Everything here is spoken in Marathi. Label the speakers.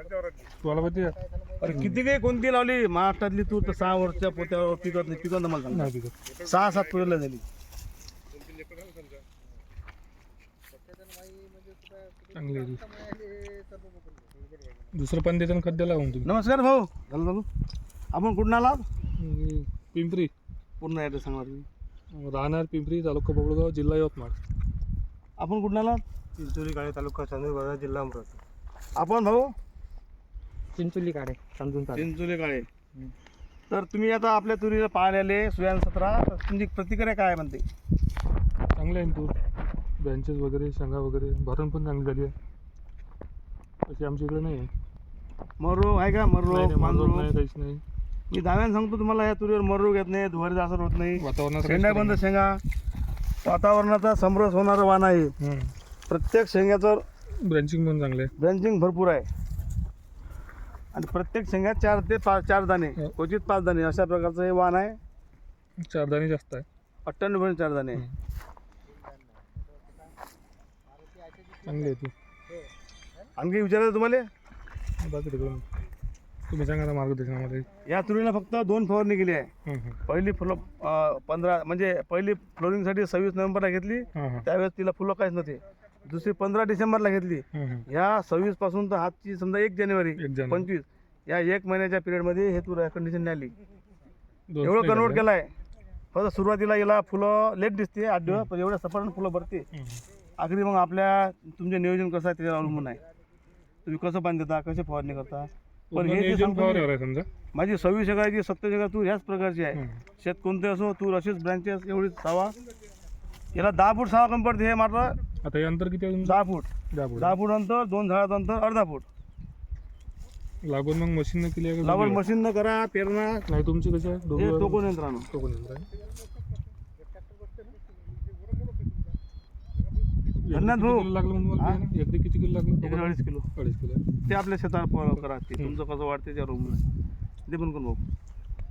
Speaker 1: तुम्हाला माहिती आहे?
Speaker 2: अरे किती काही कोणती लावली महाराष्ट्रातली तूर तर 6 वर्षच्या पोत्यावर पिकत नाही. पिकत मला सांग.
Speaker 1: नाही पिकत.
Speaker 2: 6-7 पोत्याला झाली.
Speaker 1: चांगली आहे ती. दुसरं पण देताना खत द्यायला लागून तुम्ही.
Speaker 2: नमस्कार भाऊ. झालं झालं. आपण कुठून आलात?
Speaker 1: पिंपरी.
Speaker 2: पूर्ण ॲड्रेस सांगा तुम्ही.
Speaker 1: राहणार पिंपरी, तालुका बबळगाव, जिल्हा यवतमाळ.
Speaker 2: आपण कुठून आलात?
Speaker 3: चिंचोली काळे, तालुका चांदूर, जिल्हा अमरावती.
Speaker 2: आपण भाऊ
Speaker 3: चिंचोली काळे,
Speaker 2: चिंचोली काळे. तर तुम्ही आता आपल्या तुरीला पाहायला आले सुयान 17. तर तुमची प्रतिक्रिया काय म्हणते?
Speaker 1: चांगले आहे तूर, ब्रँचेस वगैरे, शेंगा वगैरे, भरण पण चांगली झाली आहे. तशी आमच्या इकडे नाही आहे.
Speaker 2: मररोग आहे का? मररोग
Speaker 1: मानरोग नाही, काहीच नाही.
Speaker 2: मी दाव्यानं सांगतो तुम्हाला, या तुरीवर मररोग येत नाही, धुवारीचा असर होत नाही,
Speaker 1: वातावरणात
Speaker 2: शेंगा बंद शेंगा. वातावरणाचा समरस होणारं वाण आहे. प्रत्येक शेंग्याचं
Speaker 1: ब्रँचिंग पण चांगलं आहे.
Speaker 2: ब्रँचिंग भरपूर आहे आणि प्रत्येक शेंग्यात 4 ते 4 दाणे, क्वचित 5 दाणे अशा प्रकारचं हे वाण आहे.
Speaker 1: 4 दाणे जास्त आहे.
Speaker 2: 98 4 दाणे.
Speaker 1: चांगली आहे ती.
Speaker 2: आणखी विचारायचं तुम्हाला?
Speaker 1: बाकी तिकडून तुम्ही सांगा ना मार्गदर्शन आम्हाला.
Speaker 2: या तुरीला फक्त 2 फवारणी केली आहे. पहिली फुलं 15 म्हणजे पहिली फ्लोरिंगसाठी 26 नोव्हेंबरला घेतली. त्यावेळेस तिला फुलं काहीच नव्हते. दुसरी 15 डिसेंबरला घेतली. ह्या 26 पासून तर हातची समजा 1 जानेवारी 25 या 1 महिन्याच्या पिरियडमध्ये हे तूर कंडिशन आली. एवढं कन्वर्ट केलं आहे. फक्त सुरुवातीला याला फुलं लेट दिसते 8 दिवस, पण एवढ्या सपाट फुलं भरते. आखरी मग आपल्या तुमचे नियोजन कसं आहे त्याच्यावर अवलंबून आहे. तुम्ही कसं पाणी देता, कसे फवारणी करता. पण हे जे सांगतो
Speaker 1: समजा
Speaker 2: माझी 26 एकराची 27 एकर तूर ह्याच प्रकारची आहे. शेत कोणते असो, तूर अशीच ब्रँचेस एवढीच सावा. याला 10 फूट सावा कमी पडते. हे मात्र
Speaker 1: आता हे अंतर किती आहे?
Speaker 2: 10 फूट.
Speaker 1: 10
Speaker 2: फूट अंतर, 2 झाडाचं अंतर अर्धा फूट.
Speaker 1: लागून मग मशीन न केली आहे का?
Speaker 2: लागवड मशीन न करा, पेरणा
Speaker 1: नाही तुमची कशी आहे?
Speaker 2: हे टोकून यंत्रानं.
Speaker 1: टोकून यंत्र आहे.
Speaker 2: धन्यवाद भाऊ.
Speaker 1: लागलं म्हणून एकरी किती किलो लागलं?
Speaker 2: 2.5 किलो.
Speaker 1: 2.5 किलो.
Speaker 2: ते आपल्या शेतावर करा. ते तुमचं कसं वाटते त्यावर ते पण करून भाऊ.